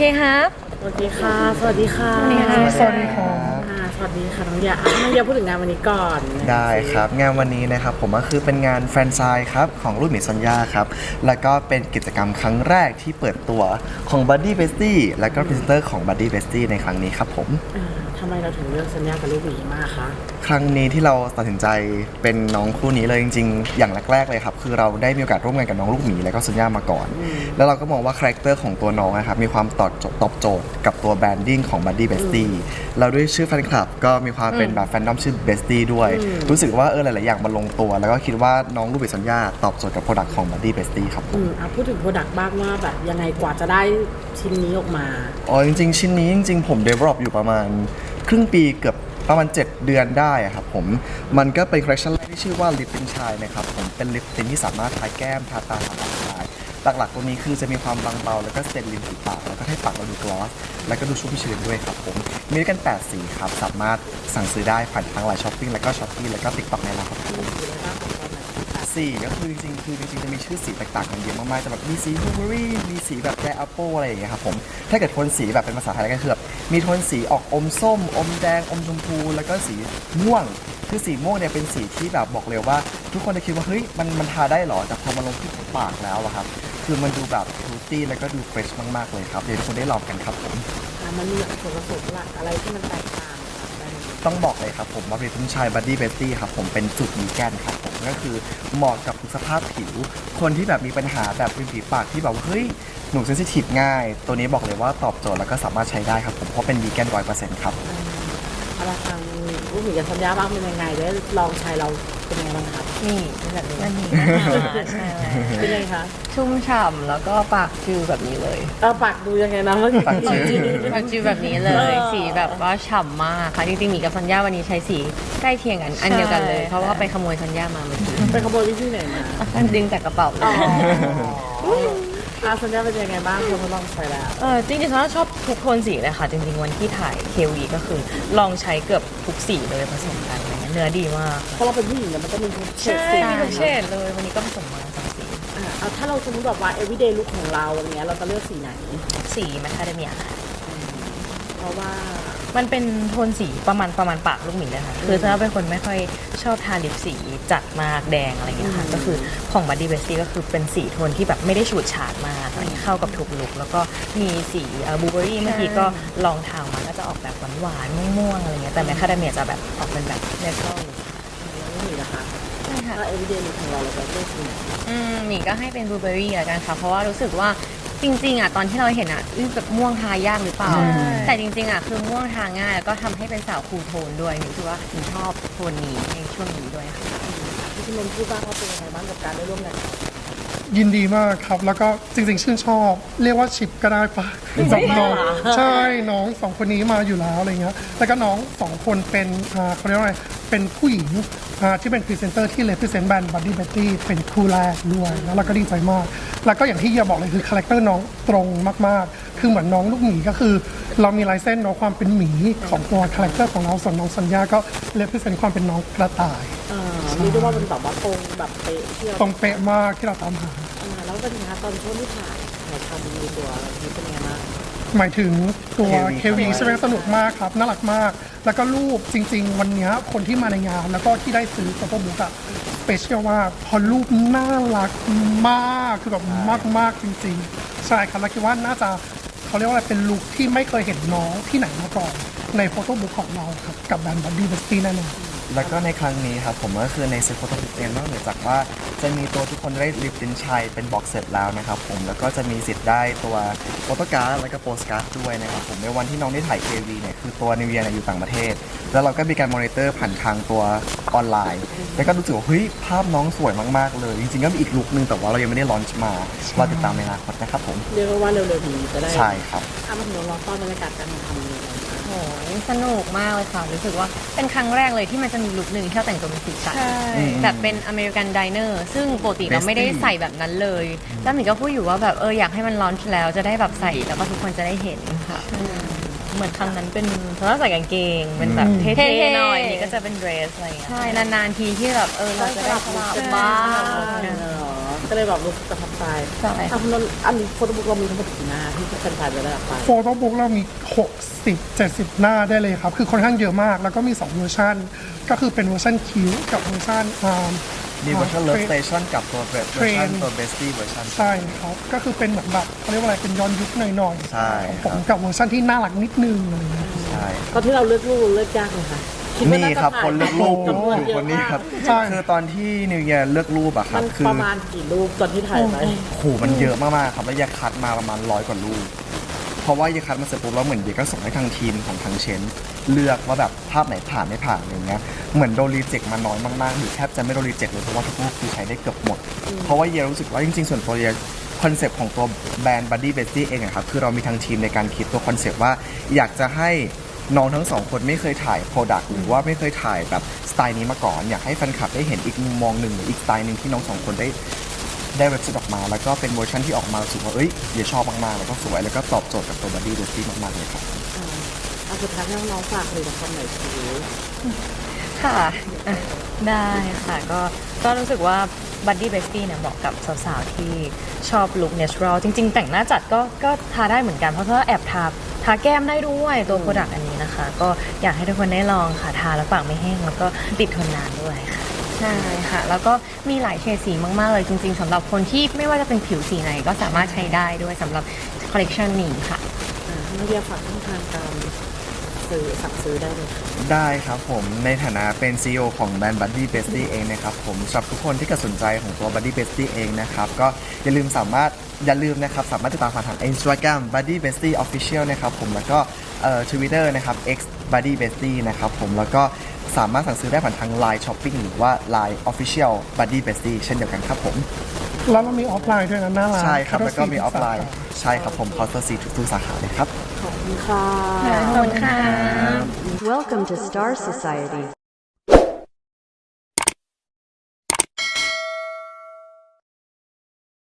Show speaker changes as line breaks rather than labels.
ครับ
สวัสดีค่ะสวัสดีค่ะ
สวัสดีค่ะ
สวัสดีครับ
สวัสดีค่ะน้องยาน้องยาพูดถึงงานวันนี้ก่อน
ได้ครับงานวันนี้นะครับผมก็คือเป็นงานแฟรนไชส์ครับของลูกหมีซอนยาครับแล้วก็เป็นกิจกรรมครั้งแรกที่เปิดตัวของ Buddy Bestie และก็พรีเซนเตอร์ของ Buddy Bestie ในครั้งนี้ครับผม
ทำไมเราถึงเลือกสัญญากับลูกหมีมากคะ
ครั้งนี้ที่เราตัดสินใจเป็นน้องคู่นี้เลยจริงๆอย่างแรกๆเลยครับคือเราได้มีโอกาสร่วมงานกับน้องลูกหมีและก็ซอนยามาก่อนแล้วเราก็มองว่าคาแรคเตอร์ของตัวน้องนะครับมีความตอบโจทย์กับตัวแบรนดิ้งของ Buddy Bestie เราด้วยชื่อแฟนคลับก็มีความเป็นแบบแฟนดอมชื่อ Bestie ด้วยรู้สึกว่าหลายๆอย่างมันลงตัวแล้วก็คิดว่าน้องลูกหมีซอนยาตอบโจทย์กับโปรดักต์ของ Buddy Bestie ครับผม
พูดถึงโปรดักต์บ้างว่าแบบยังไงกว่าจะได้ชิ้นนี้ออกมา
จริงๆชิ้นนี้จริงๆผม develop อยู่ประมาณครึ่งปีเกือบประมาณ7 เดือนได้ครับผมมันก็เป็นคอลเลคชันแรกที่ชื่อว่าลิปตินชายนะครับผมเป็นลิปตินที่สามารถทาแก้มทาตาทาปากได้หลักๆตัวนี้คือจะมีความบางเบาแล้วก็สเตนริมฝีปากแล้วก็ให้ปากเราดูกลอสแล้วก็ดูชุ่มชื้นด้วยครับผมมีด้วยกัน8สีครับสามารถสั่งซื้อได้ผ่านทางไลน์ช้อปปิ้งแล้วก็ช้อปปี้แล้วก็ติ๊กต็อกในร้านครับผมสีก็คือจริงๆจะมีชื่อสีแตกต่างกันเยอะมากๆแต่แบบมีสีบลูเบอรี่มีสีแบบแดร์แอปเปิลอะไรอย่างเงี้ยครับผมถ้าเกิดโทนสีแบบเป็นภาษาไทยก็คือแบบมีโทนสีออกอมส้มอมแดงอมชมพูแล้วก็สีม่วงคือสีม่วงเนี่ยเป็นสีที่แบบบอกเลยว่าทุกคนจะคิดว่าเฮ้ยมันทาได้หรอแต่พอมาลงที่ปากแล้วอะครับคือมันดูแบบฟรุตตี้แล้วก็ดูเฟรชมากๆเลยครับเดี๋ยวทุกคนได้ลองกันครับผม
มันมีส่วนผสมหลักอะไรที่มันแตกต่าง
ต้องบอกเลยครับผมว่าผลิตภัณฑ์ชาย Buddy Bestie ครับผมเป็นสูตรวีแกนครับผมก็คือเหมาะกับทุกสภาพผิวคนที่แบบมีปัญหาแบบริมฝีปากที่แบบเฮ้ยหนูเซนซิทีฟง่ายตัวนี้บอกเลยว่าตอบโจทย์แล้วก็สามารถใช้ได้ครับผมเพราะเป็นวีแกน100%ครับ
เราทางลูกหมีกับสัญญาบ้างเป็นยังไงได้ลองใช้เราเป็นยังไงบ้างครับ
นี่เป็นแบบนี้นะคะใช่
เป็นยังไงคะ
ชุ่มฉ่ำแล้วก็ปากจือแบบนี้เลย
ปากดูยังไงนะ
ปากจื
อแบบนี้เลยสีแบบว่าฉ่ำมากค่ะจริงๆหมีกับซันย่าวันนี้ใช้สีใกล้เคียงกันอันเดียวกันเลยเพราะว่าไปขโมยซันย่ามาเมื่อกี้
ไปขโมยที่ไหนมา
ดึงจากกระเป๋าเลย
สัญญาเป็นยังไงบ้างคุณลองใช้แล้ว
จริงๆซันย่าชอบทุกโทนสีเลยค่ะจริงๆวันที่ถ่าย KV ก็คือลองใช้เกือบทุกสีเลยผสมกันเนื้อดีมาก
เพราะเราเป็นผู้หญิงมันจะมีทุกเฉด
สีมีทุกเฉดเลยวันนี้ก็ผสมมา2 สี
ถ้าเราสมมติแบบว่า everyday look ของเราอะไรเงี้ยเราจะเลือกสีไหน
สีแมคคาเดเมีย
เพราะว่า
มันเป็นโทนสีประมาณปากลูกหมีเลยค่ะคือถ้าเป็นคนไม่ค่อยชอบทาลิปสีจัดมากแดงอะไรเงี้ยค่ะก็คือของ Buddy Bestie ก็คือเป็นสีโทนที่แบบไม่ได้ฉูดฉาดมากอะไรเข้ากับทุกลุคแล้วก็มีสีบลูเบอรี่เมื่อกี้ก็ลองทามาก็จะออกแบบหวานๆม่วงๆอะไรเงี้ยแต่แมคคาเดเมียจะแบบออกเป็นแบบเนเชอรัล
ลูกหมีนะคะ
ใช่ค่ะ
ถ้า everyday look ของเราจะเลือกสีไหน
หมีก็ให้เป็นบลูเบอรี่ละกันค่ะเพราะว่ารู้สึกว่าจริงๆตอนที่เราเห็นแบบม่วงทายากหรือเปล่าแต่จริงๆคือม่วงทาง่ายแล้วก็ทำให้เป็นสาวคูลโทนด้วยหนูคิดว่าหนูชอบโทนนี้ในช่วงนี้ด้วยค่ะ
พี่ชิมนพูดบ้างว่าเป็นยังไงบ้างกับการได้ร่วมงาน
ยินดีมากครับแล้วก็จริงๆชื่นชอบเรียกว่าชิปก็ได้ปะกับน้องใช่น้อง2 คนนี้มาอยู่แล้วอะไรเงี้ยแล้วก็น้อง2 คนเป็นเขาเรียกว่าอะไรเป็นผู้หญิงที่เป็นพรีเซนเตอร์ที่ represent แบรนด์ Buddy Bestie เป็นคู่แรกด้วยแล้วเราก็ดีใจมากแล้วก็อย่างที่เฮียบอกเลยคือคาแรคเตอร์น้องตรงมากๆคือเหมือนน้องลูกหมีก็คือเรามีลายเส้นน้องความเป็นหมีของตัวคาแรคเตอร์ของเราส่วนน้องสัญญาก็ represent ความเป็นน้องกระต่าย
นี่ด้วยว่ามันแบบว่าตรงแบบเป๊ะที่เรา
ตรงเป๊ะมากที่เราตามหา
แล้วเป็นยังไงตอนช่วงที่ถ่ายทำในตัวนี้เป็นยังไงบ้าง
หมายถึงตัวเควีใช่ไหมสนุกมากครับน่ารักมากแล้วก็รูปจริงๆวันนี้คนที่มาในงานแล้วก็ที่ได้ซื้อโฟโต้บุ๊กอะสเปเชียลมากพอรูปน่ารักมากคือแบบมากๆจริงๆใช่ครับแล้วคิดว่าน่าจะเขาเรียกว่าอะไรเป็นลุคที่ไม่เคยเห็นน้องที่ไหนมาก่อนในโฟโต้บุ๊กของเราครับกับแบรนด์ Buddy Bestie แน่นอนแล้วก็ในครั้งนี้ครับผมก็คือในเซ็ตโฟโต้บุ๊กเองนอกเหนือจากว่าจะมีตัวทุกคนได้ลิปตินชัยเป็นบ็อกเซตแล้วนะครับผมแล้วก็จะมีสิทธิ์ได้ตัวโฟโต้การ์ดและก็โปสการ์ดด้วยนะครับผมในวันที่น้องได้ถ่าย KV เนี่ยคือตัวนิวเยียร์อยู่ต่างประเทศแล้วเราก็มีการมอนิเตอร์ผ่านทางตัวออนไลน์แล้วก็รู้สึกว่าเฮ้ยภาพน้องสวยมากๆเลยจริงๆก็มีอีกลุคนึงแต่ว่าเรายังไม่ได้ลอนช์มาเราติดตามในอนาคตนะครับผม
เรียกว่าเร็วๆนี้จะได้
ใช่ครับ
มาถึงเราต้อนบรรยากาศการทำเลย
โอ้ยสนุกมากเลยค่ะรู้สึกว่าเป็นครั้งแรกเลยที่มันจะมีลุคหนึ่งที่เราแต่งตัวเป็นสีสันแบบเป็นอเมริกันไดเนอร์ซึ่งปกติเราไม่ได้ใส่แบบนั้นเลยแล้วหมีก็พูดอยู่ว่าแบบอยากให้มันลอนช์แล้วจะได้แบบใส่แล้วก็ทุกคนจะได้เห็นค่ะเหมือนครั้งนั้นเป็นเพราะว่าใส่กางเกงเป็นแบบเท่ๆหน่อยนี่ก็จะเป็นเดรสอะไรอย่างเงี้ยใช่นานๆทีที่แบบเราจะได้สลับบ้าง
ก็เลยแบบรู้สึกประทับใจ
ใช่
อ่ะคุณนนท์อันนี้โฟโต้บุ๊กเรามีทั้งหมดกี่หน้าที่แฟนๆจะได้รับไป
โฟโต้บุ๊กเรามี 60-70 หน้าได้เลยครับ คือค่อนข้างเยอะมาก แล้วก็มี 2 เวอร์ชันก็คือเป็นเวอร์ชันคิวกับเวอร์ชัน
มีเวอร์ชัน Love Station กับตัวเวอร์ชันตัว Bestie เวอร์ชัน
ใช่ครับ ก็คือเป็นเหมือนแบบเขาเรียกว่าอะไรเป็นย้อนยุคหน่อยๆ
ใช่
ของผมกับเวอร์ชันที่น่ารักนิดนึงอะไรอย่างเงี้ย
ใช่
ตอนที่เราเลือกรูปเลือกยากเลยค่ะดว่า
นี่
าจะ
ครับ
ถ่าย
คนเลือกรูปอยู่
จำว
อยู่
เะ
คนนี้ครับ
ใช่
คือตอนที่นิวเยียร์เลือกรูปอะครั
มั
บ
น
คือ
ประมาณกี่รูปตอนที่ถ่ายไป
โหมันเยอะมากๆครับแล้วยาคัดมาประมาณ100 กว่ารูปเพราะว่ายาคัดมาเสร็จปุ๊บแล้วเหมือนเดียก็ส่งให้ทางทีมของทางเชนเลือกว่าแบบภาพไหนผ่านไม่ผ่านอะไรเงี้ยเหมือนโดนรีเจ็คมาน้อยมากๆหรือแทบจะไม่โดนรีเจ็คเลยเพราะว่าทุกรูปคือใช้ได้เกือบหมด เพราะว่าเยียรู้สึกว่าจริงๆส่วนตัวเยียคอนเซปต์ของตัวแบรนด์ Buddy Bestie เองอะครับคือเรามีทางทีมในการคิดตัวคอนเซปต์ว่าอยากจะให้น้องทั้งสองคนไม่เคยถ่ายโปรดักต์หรือว่าไม่เคยถ่ายแบบสไตล์นี้มาก่อน อยากให้แฟนคลับได้เห็นอีกมุมมองหนึ่งหรืออีกสไตล์หนึ่งที่น้องสองคนได้เว็บไซต์ออกมา แล้วก็เป็นเวอร์ชันที่ออกมารู้สึกว่าเยียชอบมากๆแล้วก็สวยแล้วก็ตอบโจทย์กับตัว Buddy Bestie มากๆเลยครับ
เอาสุดท้ายให้น้องๆฝากผลิตภัณฑ์หน่อยสิ
ค่ะอ่ะได้ค่ะก็รู้สึกว่า Buddy Bestie เนี่ยเหมาะกับสาวๆ ที่ชอบลุค natural จริงๆ แต่งหน้าจัดก็ทาได้เหมือนกัน เพราะว่าแอบทาแก้มได้ด้วยตัวโปรดักต์อันนี้นะคะ ก็อยากให้ทุกคนได้ลองค่ะทาแล้วปากไม่แห้งแล้วก็ติดทนนานด้วยค่ะ
ใช่ค่ะ แล้วก็มีหลายเฉดสีมากๆเลยจริงๆสำหรับคนที่ไม่ว่าจะเป็นผิวสีไหนก็สามารถใช้ได้ด้วยสำหรับคอลเลกชันนี้ค่ะ
น้องเดียฝากช่องทางการซื้อสั่งซื้อได้เลยค่ะ
ได้ครับผมในฐานะเป็น CEO ของแบรนด์ Buddy Bestie เองนะครับผมสำหรับทุกคนที่เกิดสนใจของตัว Buddy Bestie เองนะครับก็อย่าลืมนะครับสามารถติดตามผ่านทาง Instagram Buddy Bestie Official นะครับผมแล้วก็Twitter นะครับ X Buddy Bestie นะครับผมแล้วก็สามารถสั่งซื้อได้ผ่านทาง Line Shopping หรือว่า Line Official Buddy Bestie เช่นเดียวกันครับผม
แล้วเรามีออฟไลน์ด้วยนะหน้าร้าน
ใช่ครับแล้วก็มีอ
ทุ
อฟไลน์
สาขา
ใช่ครับผมคอสเตอร์ซีทุกสาขาเลยครับ
ขอบคุณค่ะ
ขอบคุณค่ะ
Welcome to Star Society.